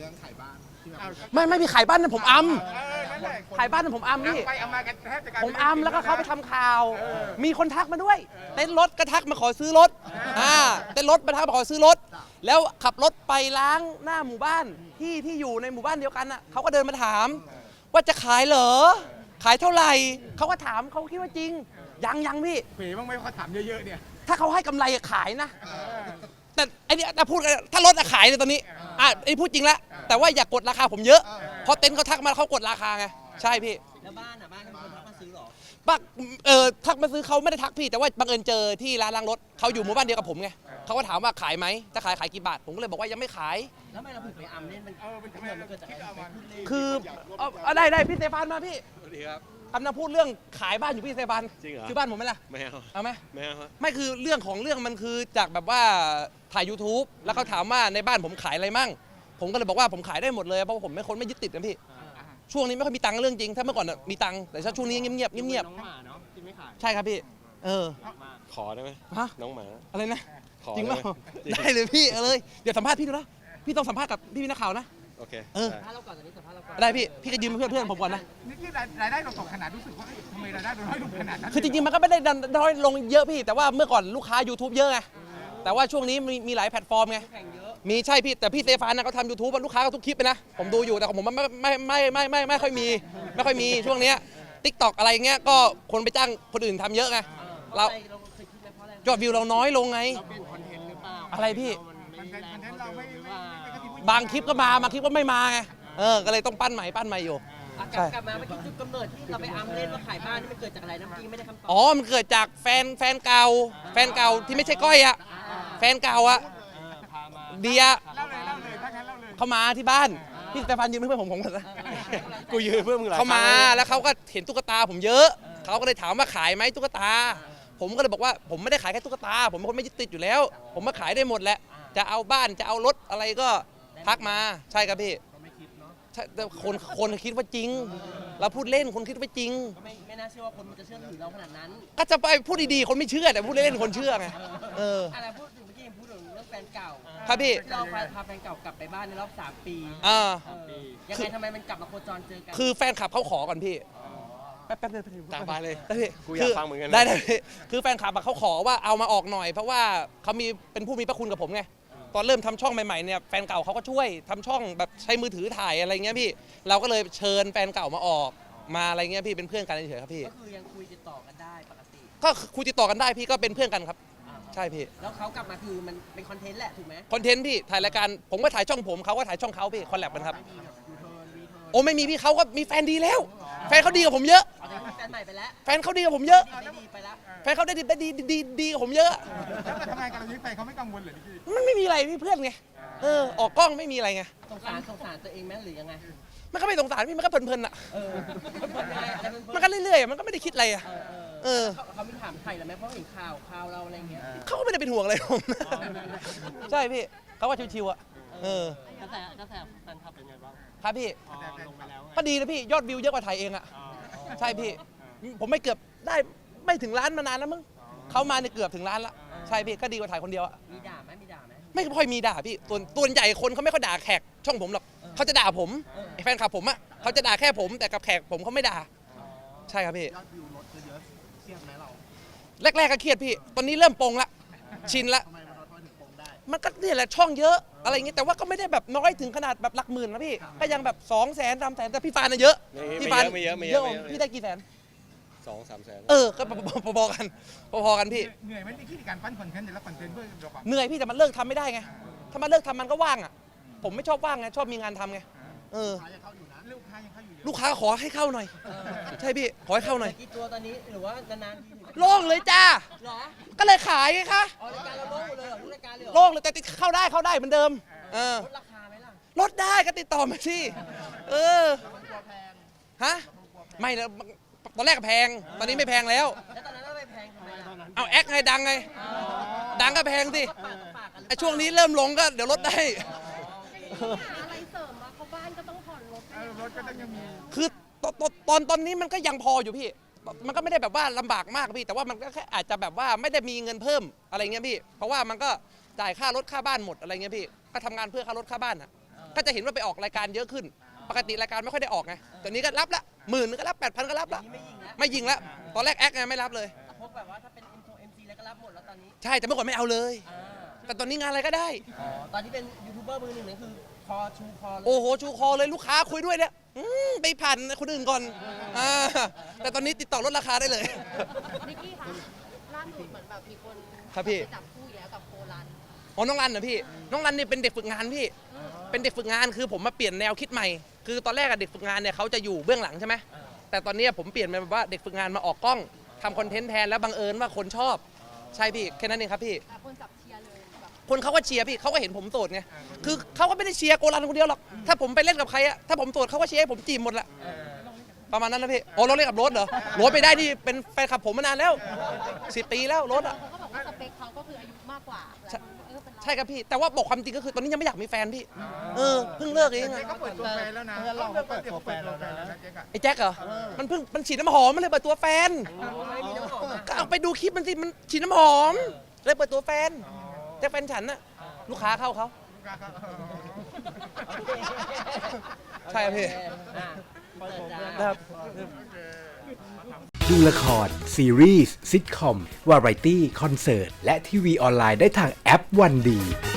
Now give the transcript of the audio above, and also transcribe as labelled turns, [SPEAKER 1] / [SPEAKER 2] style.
[SPEAKER 1] รื่องขายบ้านที่แบบ
[SPEAKER 2] ไม่มีขายบ้านนะผมอัม
[SPEAKER 3] นั่นแหละ
[SPEAKER 2] ขายบ้านนะผมอัมพี่
[SPEAKER 3] ไปเอามากันแทบจะกลาย
[SPEAKER 2] ผ
[SPEAKER 3] เป็น
[SPEAKER 2] มอัมแล้วก็เขาไปทำข่าว มีคนทักมาด้วย เต้นรถก็ทักมาขอซื้อรถเต้นรถมาทักมาขอซื้อรถ แล้วขับรถไปล้างหน้าหมู่บ้านที่อยู่ในหมู่บ้านเดียวกันน่ะเขาก็เดินมาถาม ว่าจะขายเหรอ ขายเท่าไหร่เขาก็ถามเขาคิดว่าจริง ยังพี่
[SPEAKER 3] เผยบ้างไหมเขาถามเยอะๆเนี่ย
[SPEAKER 2] ถ้าเขาให้กำไรขายนะ แต่ไอ้นี่ถ้าพูดกันถ้ารถขายเลยตอนนี้ไอ้พูดจริงละแต่ว่าอย่ากดราคาผมเยอะเพราะเต็นท์เขาทักมาเขากดราคาไงใช่พี่
[SPEAKER 4] แล้วบ้านมีคนทักมาซื้อหรอ
[SPEAKER 2] ทักมาซื้อเขาไม่ได้ทักพี่แต่ว่าบังเอิญเจอที่ร้านล้างรถเขาอยู่หมู่บ้านเดียวกับผมไงเขาก็ถามว่าขายไหมถ้าขายกี่บาทผมก็เลยบอกว่ายังไม่ขาย
[SPEAKER 4] แล้วทำไมเราถึงไปอัมเล่นมันเกิดจากอะไร
[SPEAKER 2] คือได้พี่เซฟานมาพี่
[SPEAKER 5] สวัสดีครับ
[SPEAKER 2] กำลังพูดเรื่องขายบ้านอยู่พี่เซฟาน
[SPEAKER 5] จริงเหรอ
[SPEAKER 2] คือบ้านผมไหมล่ะ
[SPEAKER 5] ไม่เอา
[SPEAKER 2] เอาไหม
[SPEAKER 5] ไม่เอา
[SPEAKER 2] ไม่คือเรื่องของเรื่องมันคือจากแบบว่าถ่าย YouTube แล้วเขาถามว่าในบ้านผมขายอะไรมั่งผมก็เลยบอกว่าผมขายได้หมดเลยเพราะผมไม่คนไม่ยึดติดนะพี่ช่วงนี้ไม่ค่อยมีตังค์เรื่องจริงถ้าเมื่อก่อนมีตังค์แต่ช่วงนี้เงียบ
[SPEAKER 4] น้องหมาเนาะที่ไม่ขาย
[SPEAKER 2] ใช่ครับพี่
[SPEAKER 5] ขอได้ไหม
[SPEAKER 2] ฮะ
[SPEAKER 5] น้องหมา
[SPEAKER 2] อะไรนะ
[SPEAKER 5] ขอ
[SPEAKER 2] จริงเปล่า
[SPEAKER 5] จริง
[SPEAKER 2] ได้เลยพี่เลยเดี๋ยวสัมภาษณ์พี่ดูนะพี่ต้องสัมภาษณ์กับพี่นักข่าวนะ
[SPEAKER 5] โอเค
[SPEAKER 2] ได้
[SPEAKER 4] สัมภาษณ์เราก่อนตอนนี้สัมภาษณ์เราก่อน
[SPEAKER 2] ได้พี่ก็ยืมเพื่อนผมก่อนนะ
[SPEAKER 3] นี่ที่รายได้เราตกขนาดรู้สึกว่าทำไมรายได้เราน้อยลงขนาดนั้น
[SPEAKER 2] คือจริงๆมันก็ไม่ได้น้อยลงเยอะพี่แต่ว่าเมื่อก่อนลูกค้า YouTube เยอะไงแต่ว่าช่วงนี้มีหลายแพลตฟอร์มไงมีใช่พี่แต่พี่เซฟานนะเขาทำ YouTube ลูกค้าก็ทุกคลิปไปนะผมดูอยู่แต่ของผมมันไม่ค่อยมีช่วงเนี้ย TikTok อะไรเงี้ยก็คนไปจ้างคนอื่นทำเยอะไงเรายอดวิวเราน้อยลงไงอะไรพี่บางคลิปก็มาบางคลิปก็ไม่มาไงก็เลยต้องปั้นใหม่อยู่
[SPEAKER 4] กลับมาเมื่อกี้จุดกำเนิดที่เราไปอัมเล่นว่าขายบ้านนี่มันเกิดจากอะไรน้ำจริงไม่ได้คำตอบ
[SPEAKER 2] มันเกิดจากแฟนเก่าที่ไม่ใช่ก้อยอะแฟนเก่าอะเดีย
[SPEAKER 3] เล่าเลยถ้างั้นเล่าเลย
[SPEAKER 2] เขามาที่บ้านพี่สเตฟานยืมเพื่อนผมก่อนนะ
[SPEAKER 5] กูยืมเพื่อนมึงหลาย
[SPEAKER 2] เขามาแล้วเขาก็เห็นตุ๊กตาผมเยอะเขาก็เลยถามว่าขายไหมตุ๊กตาผมก็เลยบอกว่าผมไม่ได้ขายแค่ตุ๊กตาผมเป็นคนไม่ยึดติดอยู่แล้วผมมาขายได้หมดแหละจะเอาบ้านจะเอารถอะไรก็ทักมาใช่ครับพี่แต่คนคิดว่าจริงเราพูดเล่นคนคิดว่าจริง
[SPEAKER 4] ไม่น่าเชื่อว่าคนมันจะเชื่อถือเราขนาดนั้น
[SPEAKER 2] ก็จะไปพูดดีๆคนไม่เชื่อแต่พูดเล่นคนเชื่อไง
[SPEAKER 4] อะไรพูดถึงเมื่อกี้พูดถึงเรื่องแฟนเก่า
[SPEAKER 2] ครับพี่
[SPEAKER 4] เราพาแฟนเก่ากลับไปบ้านในรอบ3 ปียังไงทำไมมันกลับมาโคจรเจอกัน
[SPEAKER 2] คือแฟนคลับเขาขอก่อนพี่แป๊บนึง
[SPEAKER 5] ตามไปเลย
[SPEAKER 2] ได้พี่
[SPEAKER 5] กูอยากฟังเหมือนกัน
[SPEAKER 2] ได้คือแฟนคลับเขาขอว่าเอามาออกหน่อยเพราะว่าเขาเป็นผู้มีพระคุณกับผมไงตอนเริ่มทำช่องใหม่ๆเนี่ยแฟนเก่าเขาก็ช่วยทำช่องแบบใช้มือถือถ่ายอะไรเงี้ยพี่เราก็เลยเชิญแฟนเก่ามาออกมาอะไรเงี้ยพี่เป็นเพื่อนกันเฉยๆครับพี่
[SPEAKER 4] ก็คือยังคุยติดต่อกันได้ปกติ
[SPEAKER 2] ก็คุยติดต่อกันได้พี่ก็เป็นเพื่อนกันครับใช่พี่
[SPEAKER 4] แล้วเขากลับมาคือมันเป็นคอนเทนต์แหละถูกไหม
[SPEAKER 2] คอนเทนต์พี่ถ่ายรายการผมก็ถ่ายช่องผมเขาก็ถ่ายช่องเขาพี่คอลแลบกันครับโอ้ไม่มีพี่เขาก็มีแฟนดีแล้วแฟนเขาดีกับผมเยอะ
[SPEAKER 4] แฟนใหม่ไปแล้ว
[SPEAKER 2] แฟนเขาดีกับผมเยอะ
[SPEAKER 4] ดีไปแล้ว
[SPEAKER 2] แฟนเขาได้ดีกับผมเยอะ
[SPEAKER 3] แล้วทำงานกันเรานี้ไปเขาไม่กังวลเหรอพี่
[SPEAKER 2] มันไม่มีอะไรพี่เพื่อนไงออกกล้องไม่มีอะไรไง
[SPEAKER 4] สงสารตัวเองไหมหรือยังไง
[SPEAKER 2] มันก็ไม่สงสารพี่มันก็เพลินๆอ่ะมันก็เรื่อยๆมันก็ไม่ได้คิดอะไรอ่ะ
[SPEAKER 4] เขาไม่ถามใครหรือไหมเพราะเห็นข่าวเราอะไรเงี้ย
[SPEAKER 2] เขาก็ไม่ได้เป็นห่วงอะไรผมใช่พี่เขาว่าชิวๆอ่ะ
[SPEAKER 4] กระแสแฟนคลับเป็นไงบ้าง
[SPEAKER 2] ครับพี่
[SPEAKER 4] ลงไปแล้ว
[SPEAKER 2] ก็ดีนะพี่ยอดวิวเยอะกว่าไทยเองอ่ะใช่พี่ผมไม่เกือบได้ไม่ถึงล้านมานานแล้วมั้งเขามาเนี่ยเกือบถึงล้านละใช่พี่ก็ดีกว่าถ่ายคนเดียวอ่ะ
[SPEAKER 4] มีด่าไหม
[SPEAKER 2] ไม่ค่อยมีด่าพี่ตัวใหญ่คนเขาไม่ค่อยด่าแขกช่องผมหรอกเขาจะด่าผมแฟนคลับผมอ่ะเขาจะด่าแค่ผมแต่กับแขกผมเขาไม่ด่าใช่ครับพี่
[SPEAKER 1] ยอดวิวลดเยอะเครียดไหมเรา
[SPEAKER 2] แรกๆก็เครียดพี่ตอนนี้เริ่มปงละชินละ
[SPEAKER 1] ทำไมมันถึงปงได้
[SPEAKER 2] มันก็นี่แหละช่องเยอะอะไรอย่างงี้แต่ว่าก็ไม่ได้แบบน้อยถึงขนาดแบบหลักหมื่นนะพี่ก็ยังแบบ200,000 300,000แต่พี่ฟานน่ะเยอะ
[SPEAKER 5] พี่ฟาน
[SPEAKER 2] เยอะพี่ได้กี่แสน
[SPEAKER 5] 2-3 แสน
[SPEAKER 2] ก็พอๆกันพี่
[SPEAKER 3] เหนื่อยไหมที่การปั้นคอนเทนต์แต่ละคอนเทนต์เพื่อเรา
[SPEAKER 2] เหนื่อยพี่แต่มันเลิกทำไม่ได้ไงถ้ามันเลิกทำมันก็ว่างอ่ะผมไม่ชอบว่างไงชอบมีงานทำไงลูกค้าขอให้เข้าหน่อยใช่พี่ขอให้เข้าหน่อย
[SPEAKER 4] กี่ตัวตอนนี้หรือว่านานๆที
[SPEAKER 2] โล่งเลยจ้าก็เลยขายไงคะ
[SPEAKER 4] รายการเราโล่งเลยรายการเลย
[SPEAKER 2] โล่งเลยแต่เข้าได้เหมือนเดิม
[SPEAKER 4] ลดราคาไหมล่ะ
[SPEAKER 2] ลดได้ก็ติดต่อมาสิฮะไม่นะตอนแรกแพงตอนนี้ไม่แพงแล้ว
[SPEAKER 4] ตอนนั้นไม่แพงทำไม
[SPEAKER 2] เอาแอคไงดังไงดังก็แพงสิไอช่วงนี้เริ่มลงก็เดี๋ยวลดได้
[SPEAKER 6] อะไรเสริมมาเขาบ้านก็ต้องผ่อนรถ
[SPEAKER 3] ก็ต้องยังมี
[SPEAKER 2] คือตอนนี้มันก็ยังพออยู่พี่มันก็ไม่ได้แบบว่าลำบากมากพี่แต่ว่ามันก็แค่อาจจะแบบว่าไม่ได้มีเงินเพิ่มอะไรเงี้ยพี่เพราะว่ามันก็จ่ายค่ารถค่าบ้านหมดอะไรเงี้ยพี่ก็ทำงานเพื่อค่ารถค่าบ้านอ่ะก็จะเห็นว่าไปออกรายการเยอะขึ้น ปกติรายการไม่ค่อยได้ออกไงตอนนี้ก็รับละ10,000ก็รับ 8,000ก็รับละ
[SPEAKER 4] นี่ไม่ยิงแล้ว
[SPEAKER 2] ไม่ยิงละตอนแรกแอคไงไม่รับเลย
[SPEAKER 4] พวกแบบว่าถ้าเป็น MC แล้วก็รับหมดแล้วตอนนี้
[SPEAKER 2] ใช่แต่เมื่อก่อนไม่เอาเลย
[SPEAKER 4] อ่า
[SPEAKER 2] แต่ตอนนี้งานอะไรก็ได้
[SPEAKER 4] ตอนที่เป็นยูทูบเบอร์มือหนึ่งนี่คือคอชูคอเลย
[SPEAKER 2] โอ้โหชูคอเลยลูกค้าคุยด้วยเนี่ยไปผ่านคนอื่นก่อนแต่ตอนนี้ติดต่อลดราคาได้เลย
[SPEAKER 6] นิกกี้คะล่าสุดเหมือนแบบมีคน
[SPEAKER 2] ครับพี่
[SPEAKER 6] ไปจับคู่อีกแล้วกับโครัน
[SPEAKER 2] อ๋อน้องรันเหรอพี่ น้องรันเนี่ยเป็นเด็กฝึกงานพี่ เป็นเด็กฝึกงานคือผมมาเปลี่ยนแนวคิดใหม่ คือตอนแรกอะเด็กฝึกงานเนี่ยเขาจะอยู่เบื้องหลังใช่ไหมแต่ตอนนี้ผมเปลี่ยนเป็นแบบว่าเด็กฝึกงานมาออกกล้องทำคอนเทนต์แทนแล้วบังเอิญว่าคนชอบ ใช่พี่แค่นั้นเองครับพี่
[SPEAKER 6] แต่คนจับเชียร์เลยแบบ
[SPEAKER 2] คนเขาก็เชียร์พี่เขาก็เห็นผมโสดไง คือเขาก็ไม่ได้เชียร์โกรันคนเดียวหรอก ถ้าผมไปเล่นกับใครอะถ้าผมโสดเขาก็เชียร์ให้ผมจีบหมดละประมาณนั้นนะพี่อ๋อเราเล่นกับรถเหรอรถไปได้ที่เป็นแฟนคลับผมมานานแล้ว10 ปีแล้วรถอะ
[SPEAKER 6] เขาก็บอกว่าสเปคเขาก็คืออายุมากกว่าแบบเป็นน้อง
[SPEAKER 2] ใช่ครับพี่ แต่ว่าบอกความจริงก็คือตอนนี้ยังไม่อยากมีแฟนพี่ เพิ่งเลิกเองอะ
[SPEAKER 3] เจ๊ก็เปิดตัวแฟนแล้วนะเราเปิดตัวแฟนแล้วนะเจ๊ก็
[SPEAKER 2] ไอ้แจ็คเหรอ มันฉีดน้ำหอมมันเลยเปิดตัวแฟน
[SPEAKER 4] ไม่มีน้ำหอมอะ
[SPEAKER 2] ก็เอาไปดูคลิปมันสิ มันฉีดน้ำหอม เลยเปิดตัวแฟน แต่แฟนฉันน่ะลูกค้าเข้าเขา ใช่ครับพี่
[SPEAKER 4] อ่ะเปิดจ้า
[SPEAKER 2] นะครับ
[SPEAKER 7] ดูละคร ซีรีส์ซิทคอม วาไรตี้ คอนเสิร์ต และทีวีออนไลน์ได้ทางแอปวันดี